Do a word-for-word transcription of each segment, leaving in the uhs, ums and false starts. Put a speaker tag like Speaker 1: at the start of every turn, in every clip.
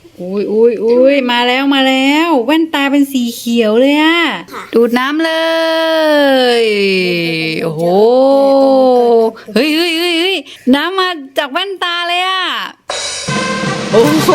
Speaker 1: อุ้ยอุ้ยอุ้ยมาแล้วมาแล้วแว่นตาเป็นสีเขียวเลยอะดูดน้ำเลยโอ้โหเฮ้ยเฮ้ยเฮ้ยเฮ้ยน้ำมาจากแว่นตาเลยอะโอ้โห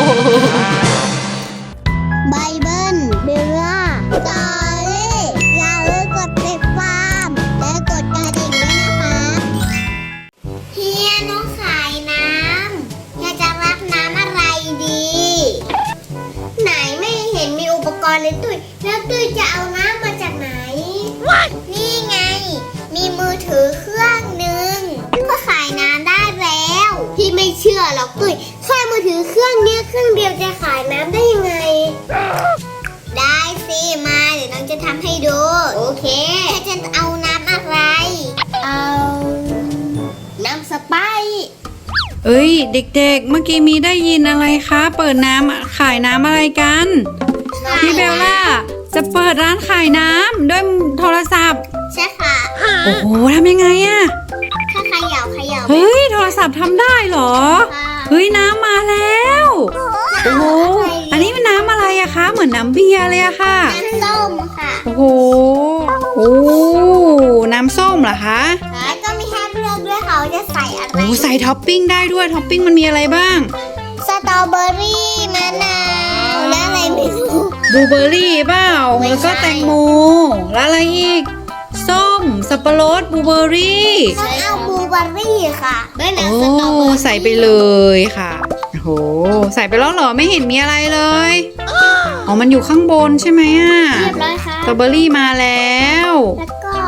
Speaker 2: ไบเบิลเบลล่าจอรี่อย่าลืมกดติดตามและกดกระดิ่งด้วยนะคะเฮียน้องขายน้ำอยากจะรับน้ำอะไรดี ไหนไม่เห็นมีอุปกรณ์เลยตุ้ยแล้วตุ้ยจะเอาน้ำมาจากไหน What? นี่ไง มีมือถือเครื่องหนึ่งก็ขายน้ำได้แล้วพี่ไม่เชื่อหรอกตุ้ยแค่มือถือเครื่องเนี้ยเครื่องเดียวจะขายน้ำได้ยังไง ได้สิมาเดี๋ยวน้องจะทำให้ดูโอเคจะเอาน้ำอะไร เอาน้ำสไปซ์
Speaker 1: เอ้ยเด็กๆเมื่อกี้มีได้ยินอะไรคะเปิดน้ำขายน้ำอะไรกันพี่เบลล่าจะเปิดร้านขายน้ำด้วยโทรศัพท์
Speaker 2: ใช่ค่ะ
Speaker 1: โอ้โหทำยังไงอะ
Speaker 2: แค่เขย่าเขย่า
Speaker 1: เฮ้ยโทรศัพท์ทำได้เหรอเฮ้ยน้ำมาแล้วโอ้โหอันนี้เป็นน้ำอะไรอะคะเหมือนน้ำเบียร์เลยอะค่ะ
Speaker 2: น้ำส้มค่ะ
Speaker 1: โอ้โหโอ้น้ำส้มเหรอคะ
Speaker 2: แล้วก็มีให้เลือกด้วยเขาจะใส่อะไร
Speaker 1: โอ้ใส่ท็อปปิ้งได้ด้วยท็อปปิ้งมันมีอะไรบ้าง
Speaker 2: สตรอเบอรี่มะนาวและอะไรไม่รู้
Speaker 1: บลูเบอร์รี่เปล่าแล้วก็แตงโมแล้วอะไรอีกส้มสับปะรดบลูเบอร์รี่
Speaker 2: ต้องเอาบลูเบอร์รี่ค่ะไม่
Speaker 1: โอ้ใส่ไปเลยค่ะโอ้โหใส่ไปแล้วเหรอไม่เห็นมีอะไรเลยอ๋อมันอยู่ข้างบนใช่ไหมอ่ะ
Speaker 2: เรียบร้อยค่ะ
Speaker 1: สตรอเบอร์รี่มาแล้ว
Speaker 2: แล้วก็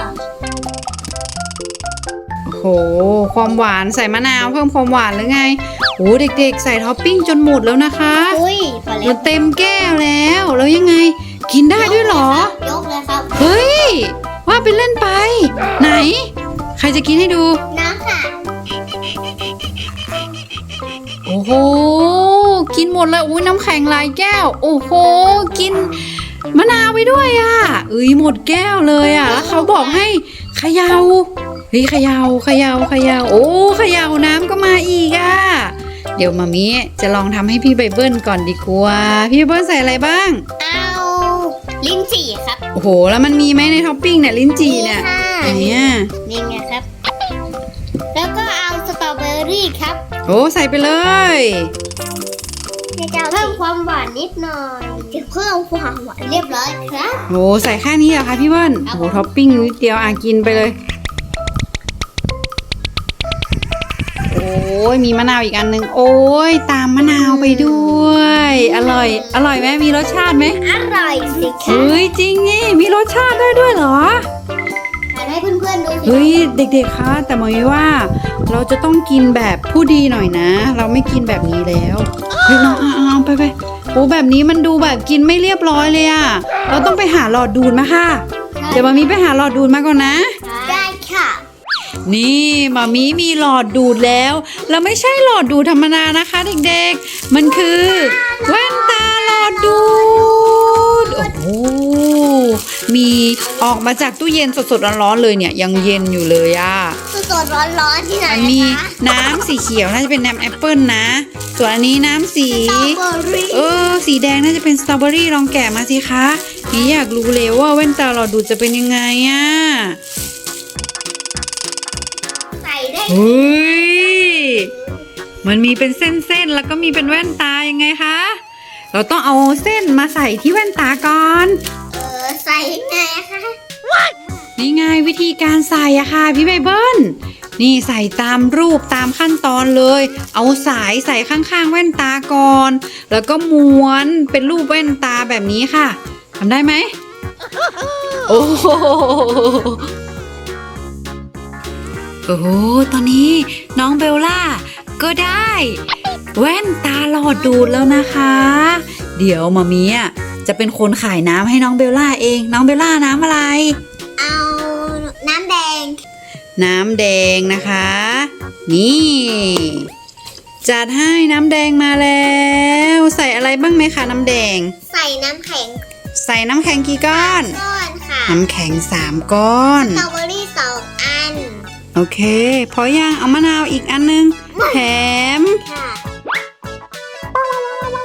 Speaker 1: โอ้โหความหวานใส่มะนาวเพิ่มความหวานหรือไงโอ้เด็กๆใส่ท็อปปิ้งจนหมดแล้วนะคะ
Speaker 2: อุ้ย
Speaker 1: มันเต็มแก้วแล้วแล้วยังไงกินได้ด้วยเหรอย
Speaker 2: กเลยครับ
Speaker 1: เฮ้ยว่าไปเล่นไปไหนใครจะกินให้ดู
Speaker 2: น้ำค่ะ
Speaker 1: โอ้โหกินหมดเลยอุ้ยน้ำแข็งหลายแก้วโอ้โหกินมะนาวไปด้วยอ่ะเอ้ยหมดแก้วเลยอ่ะแล้วเขาบอกให้เขย่าเฮ้ยเขย่าเขย่าเขย่าโอ้เขย่าน้ำก็มาอีกอ่ะเดี๋ยวมามิจะลองทำให้พี่ไบเบิลก่อนดีกว่าพี่ไบเบิลใส่อะไรบ้าง
Speaker 2: เอาลิ้นจี่ครับ
Speaker 1: โอ้โหแล้วมันมีไหมในท็อปปิ้งเนี่ยลิ้นจี่เนี่ยอันเนี้ย
Speaker 2: นี่ไงครับแล้วก็เอาสตรอเบอรี่ครับ
Speaker 1: โอ้ใส่ไปเลย
Speaker 2: จะเพิ่มความหวานนิดหน่อยจะเพิ่มความหวานเรียบร้อยครับ
Speaker 1: โอ้ใส่แค่นี้เหรอคะพี่เบิ้ลโอ้ท็อปปิ้งนิดเดียวอ่ะกินไปเลยโอ้ยมีมะนาวอีกอันหนึ่งโอ้ยตามมะนาวไปด้วยอร่อยอร่อยไหมมีรสชาติไหม
Speaker 2: อร่อยสิคะ
Speaker 1: เฮ้ยจริงนี่มีรสชาติได้ด้วยเหรอ
Speaker 2: ให้เพื่อนๆดู
Speaker 1: เฮ้ยเด็กๆคะแต่หมายว่าเราจะต้องกินแบบผู้ดีหน่อยนะเราไม่กินแบบนี้แล้วเฮ้ยน้องเอาไปไปโอ้แบบนี้มันดูแบบกินไม่เรียบร้อยเลยอะเราต้องไปหาหลอดดูดมาค่ะเดี๋ยวมามีไปหาหลอดดูดมาก่อนนะ
Speaker 2: ได้ค่ะ
Speaker 1: นี่มามีมีหลอดดูดแล้วแล้วไม่ใช่หลอดดูดธรรมดานะคะเด็กๆมันคือแว่นตาหลอดดูดโอ้โหมีออกมาจากตู้เย็นสดๆร้อนๆเลยเนี่ยยังเย็นอยู่เลยอ่ะ
Speaker 2: สดๆร้อนๆที่ไหน
Speaker 1: มันมีน้ำสีเขียวน่าจะเป็นน้ำแอปเปิลนะส่วนอันนี้น้ำสีเออสีแดงน่าจะเป็นสตรอเบอรี่ลองแกะมาสิคะนี่อยากรู้เลยว่าแว่นตาหลอดดูดจะเป็นยังไงอ่ะเฮ้ยมันมีเป็นเส้นๆแล้วก็มีเป็นแว่นตายังไงคะเราต้องเอาเส้นมาใส่ที่แว่นตาก่อน
Speaker 2: เออใส่ยังไงคะ
Speaker 1: นี่ไงวิธีการใส่อะค่ะพี่ไบเบิลนี่ใส่ตามรูปตามขั้นตอนเลยเอาสายใส่ข้างๆแว่นตาก่อนแล้วก็ม้วนเป็นรูปแว่นตาแบบนี้ค่ะทำได้ไหมโอ้โหโอ้โหตอนนี้น้องเบลล่าก็ได้แว่นตาหลอดดูดแล้วนะคะเดี๋ยวมามีอ่ะจะเป็นคนขายน้ำให้น้องเบลล่าเองน้องเบลล่าน้ำอะไร
Speaker 2: เอาน้ำแดง
Speaker 1: น้ำแดงนะคะนี่จัดให้น้ำแดงมาแล้วใส่อะไรบ้างไหมคะน้ำแดง
Speaker 2: ใส่น้ำแข็ง
Speaker 1: ใส่น้ำแข็งกี่ก้อน
Speaker 2: ก้อนค่ะ
Speaker 1: น้ำแข็งสามก้อน
Speaker 2: สตรอเบอรี่สองอัน
Speaker 1: โอเคพอยังเอามะนาวอีกอันนึงแถม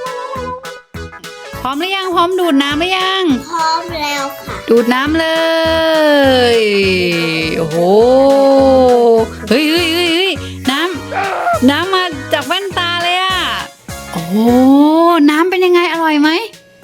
Speaker 1: ร้อมหรือยังพร้อมดูดน้ำหรือยัง
Speaker 2: พร้อมแล้วค่ะ
Speaker 1: ดูดน้ำเลย โอ้โห เฮ้ยเฮ้ยเฮ้ยเฮ้ยน้ำ น้ำมาจากแว่นตาเลยอะโอ้โห น้ำเป็นยังไงอร่อยไหม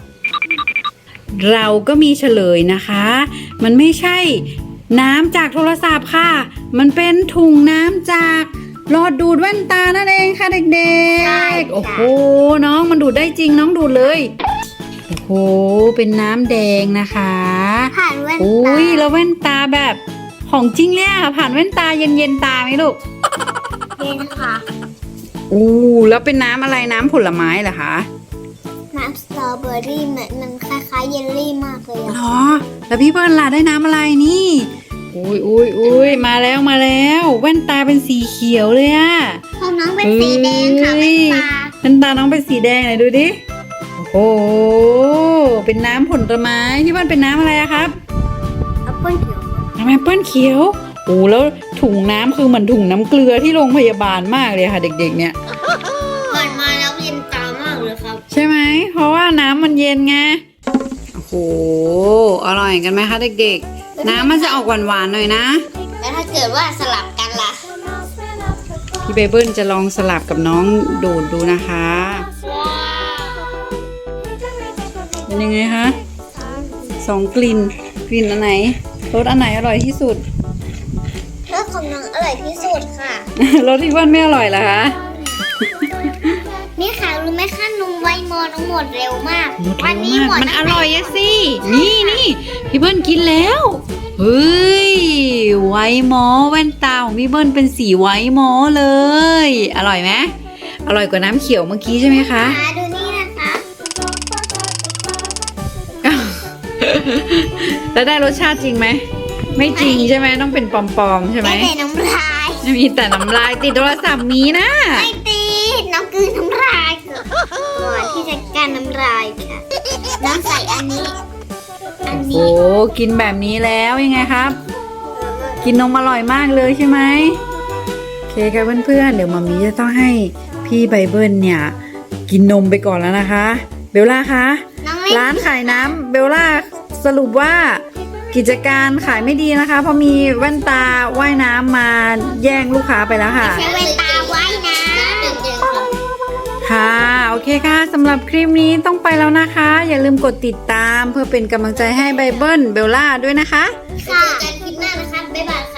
Speaker 1: เราก็มีเฉลยนะคะ มันไม่ใช่น้ำจากโทรศัพท์ค่ะ มันเป็นถุงน้ำจากหลอดดูดแว่นตานั่นเองค่ะเด็กๆ โอ้โห น้องมันดูดได้จริงน้องดูดเลย โอ้โห เป็นน้ำแดงนะคะ
Speaker 2: ผ่านแว่น
Speaker 1: โอ้
Speaker 2: ตาย
Speaker 1: แล้วแว่นตาแบบของจริงเลยอะผ่านแว่นตาเย็นๆตาไหมลูก
Speaker 2: เย็นค่ะ
Speaker 1: อู้แล้วเป็นน้ำอะไรน้ำผลไม้เหรอคะ
Speaker 2: น้ำสตรอเบอรี่เหมือนมันคล้ายๆเยลลี่มากเลย
Speaker 1: หร
Speaker 2: อะ
Speaker 1: อ แล้วพี่เปิ้ลล่ะได้น้ำอะไรนี่อุ้ยอุ้ยอุ้ยมาแล้วมาแล้ว แว่นตาเป็นสีเขียวเลยอะ
Speaker 2: ของน้องเป็นสีแดงค่ะ
Speaker 1: เฮ้
Speaker 2: แว่
Speaker 1: ย
Speaker 2: นตา
Speaker 1: แว่นตาน้องเป็นสีแดงไหนดูดิ โอ้โห เป็นน้ำผลไม้พี่เปิ้ลเป็นน้ำอะไรอะครับ
Speaker 2: แอปเปิ้ลเขียว
Speaker 1: น้ำแอปเปิ้ลเขียวโอ้แล้วถุงน้ำคือเหมือนถุงน้ำเกลือที่โรงพยาบาลมากเลยค่ะ เด็กๆเนี่ย
Speaker 2: เปิดมาแล้วเย็นตามากเลยครับ
Speaker 1: ใช่ไหม เพราะว่าน้ำมันเย็นไง โอ้โห อร่อยกันไหมคะเด็กๆ น้ำมันจะออกหวานๆหน่อยนะ
Speaker 2: แล้วถ้าเกิดว่าสลับกันล่ะ
Speaker 1: พี่เบเบิลจะลองสลับกับน้องดูดดูนะคะ เป็นยังไงคะสองกลิ่น กลิ่นอันไหน รสอันไหนอร่อยที่สุด
Speaker 2: รสของน้องอร่อยที่สุดค่ะ
Speaker 1: รสที่เบิ้ลไม่อร่อยเหรอคะ
Speaker 2: นี่ค่ะรู้ไหมคะนมไวโมน้องหมดเร็วมาก
Speaker 1: หมด
Speaker 2: วั
Speaker 1: เร็ว
Speaker 2: นี้
Speaker 1: มาก
Speaker 2: หมด
Speaker 1: มัน
Speaker 2: ตั้ง
Speaker 1: อ
Speaker 2: แต่
Speaker 1: ร่อยอะสิ นี่นี่พี่เบิ้ลกินแล้ว เฮ้ย ไวท์มอลแว่นตาของพี่เบิ้ลเป็นสีไวท์มอลเลย อร่อยไหมอร่อยกว่าน้ำเขียวเมื่อกี้ใช่ไหมคะ
Speaker 2: หาดูนี่นะคะ
Speaker 1: แล้วได้รสชาติจริงไหม ไม่จริงใช่ไหมต้องเป็นปลอมๆใช่ไหม
Speaker 2: ได้แต่น้ำลาย
Speaker 1: มีแต่น้ำลายติดโทรศัพท์มีนะ
Speaker 2: ไม่ตีน้องกลืนน้ำลายก่อนที่จะการน้ำลายค่ะ น้องใส่อันนี้ อัน
Speaker 1: โอ้
Speaker 2: นี้
Speaker 1: กินแบบนี้แล้วยังไงครับ กินนมอร่อยมากเลยใช่ไหมโอเคค่ะเพื่อนๆเดี๋ยวมามีจะต้องให้พี่ไบเบิลเนี่ย กินนมไปก่อนแล้วนะคะ เบลล่าคะ
Speaker 2: น้องเล่น
Speaker 1: ร้านขายน้ำเบลล่าสรุปว่ากิจการขายไม่ดีนะคะ เพราะมีแว่นตาว่ายน้ำมาแย่งลูกค้าไปแล้วค่ะ
Speaker 2: ใช้แว่นตาไว้นะ
Speaker 1: ค่ะโอเคค่ะสำหรับคลิปนี้ต้องไปแล้วนะคะ อย่าลืมกดติดตามเพื่อเป็นกำลังใจให้ไบเบิลเบลล่าด้วยนะคะ
Speaker 2: ค่ะเจอกันคลิปหน้านะคะ บ๊ายบาย